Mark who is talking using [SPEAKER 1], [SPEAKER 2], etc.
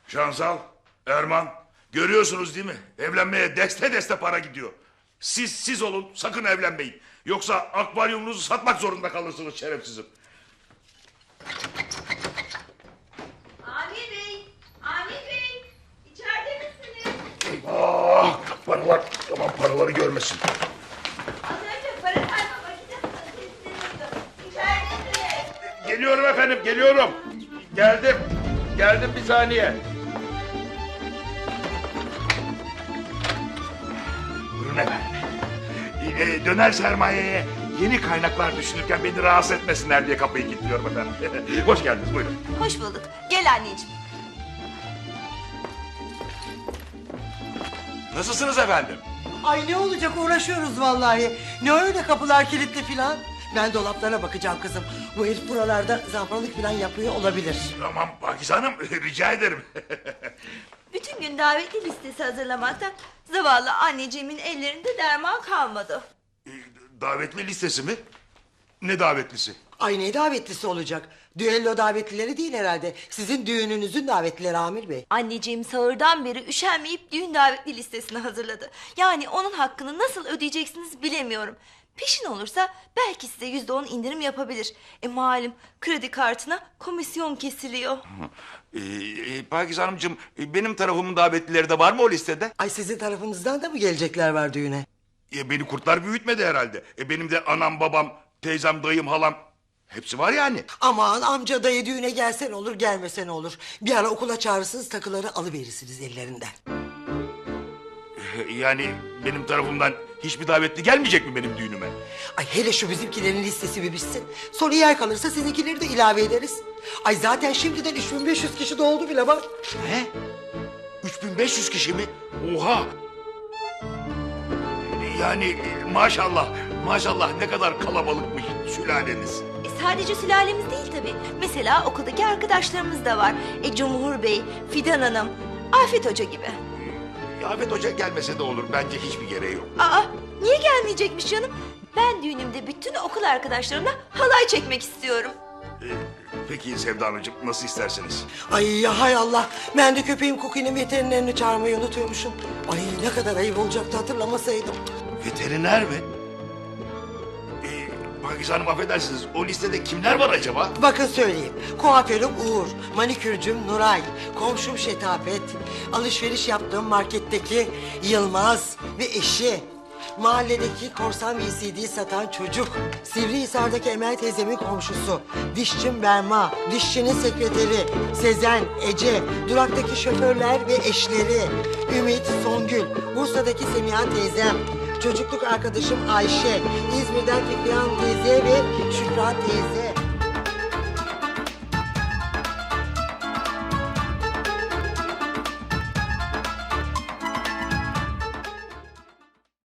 [SPEAKER 1] Şansal, Erman, görüyorsunuz değil mi? Evlenmeye deste deste para gidiyor. Siz olun, sakın evlenmeyin. Yoksa akvaryumunuzu satmak zorunda kalırsınız şerefsizim.
[SPEAKER 2] Amir Bey, Amir Bey, içeride misiniz?
[SPEAKER 1] Ah, paralar, tamam paraları görmesin.
[SPEAKER 2] Az önce para sayma makinesi sesini duydum. İçeridesiniz.
[SPEAKER 1] Geliyorum efendim, geliyorum. Geldim bir saniye. Buyurun efendim. Döner sermayeye yeni kaynaklar düşünürken beni rahatsız etmesinler diye kapıyı kilitliyorum efendim. Hoş geldiniz, buyurun.
[SPEAKER 2] Hoş bulduk. Gel anneciğim.
[SPEAKER 1] Nasılsınız efendim?
[SPEAKER 3] Ay ne olacak, uğraşıyoruz vallahi. Ne öyle kapılar kilitli filan. Ben dolaplara bakacağım kızım. Bu herif buralarda zamparalık filan yapıyor olabilir.
[SPEAKER 1] Tamam Pakize Hanım, rica ederim.
[SPEAKER 2] Bütün gün davetli listesi hazırlamaktan zavallı anneciğimin ellerinde derman kalmadı.
[SPEAKER 1] Davetli listesi mi? Ne davetlisi?
[SPEAKER 3] Ay ne davetlisi olacak? Düello davetlileri değil herhalde. Sizin düğününüzün davetlileri Amir Bey.
[SPEAKER 2] Anneciğim sahurdan beri üşenmeyip düğün davetli listesini hazırladı. Yani onun hakkını nasıl ödeyeceksiniz bilemiyorum. Peşin olursa belki size %10 indirim yapabilir. Malum kredi kartına komisyon kesiliyor.
[SPEAKER 1] Pakize Hanımcığım, benim tarafımın davetlileri de var mı o listede?
[SPEAKER 3] Ay sizin tarafınızdan da mı gelecekler var düğüne?
[SPEAKER 1] Beni kurtlar büyütmedi herhalde. Benim de anam, babam, teyzem, dayım, halam hepsi var yani.
[SPEAKER 3] Aman amca dayı düğüne gelsen olur gelmesen olur. Bir ara okula çağırırsınız, takıları alıverirsiniz ellerinden.
[SPEAKER 1] Yani benim tarafımdan hiçbir davetli gelmeyecek mi benim düğünüme?
[SPEAKER 3] Ay hele şu bizimkilerin listesi bir bitsin. Sonra yer kalırsa sizinkileri de ilave ederiz. Ay zaten şimdiden 3500 kişi doldu bile bak.
[SPEAKER 1] Ne? 3500 kişi mi? Oha! Yani maşallah ne kadar kalabalıkmış sülaleniz.
[SPEAKER 2] Sadece sülalemiz değil tabii. Mesela okuldaki arkadaşlarımız da var. Cumhur Bey, Fidan Hanım, Afet Hoca gibi.
[SPEAKER 1] Afet Hoca gelmese de olur. Bence hiçbir gereği yok.
[SPEAKER 2] Aa, niye gelmeyecekmiş canım? Ben düğünümde bütün okul arkadaşlarımla halay çekmek istiyorum.
[SPEAKER 1] Peki Sevda Hanımcığım, nasıl isterseniz.
[SPEAKER 3] Ay ya hay Allah. Ben de köpeğim Cookie'nin veterinerini çağırmayı unutuyormuşum. Ay ne kadar ayıp olacaktı hatırlamasaydım.
[SPEAKER 1] Veteriner mi? Pakize Hanım affedersiniz, o listede kimler var acaba?
[SPEAKER 3] Bakın söyleyeyim. Kuaförüm Uğur, manikürcüm Nuray, komşum Şetafet, alışveriş yaptığım marketteki Yılmaz ve eşi, mahalledeki korsan VCD satan çocuk, Sivrihisar'daki Emel teyzemin komşusu, dişçim Berma, dişçinin sekreteri, Sezen, Ece, duraktaki şoförler ve eşleri, Ümit, Songül, Bursa'daki Semiha teyzem, çocukluk arkadaşım Ayşe, İzmir'den Fikrihan teyze ve Şükran teyze.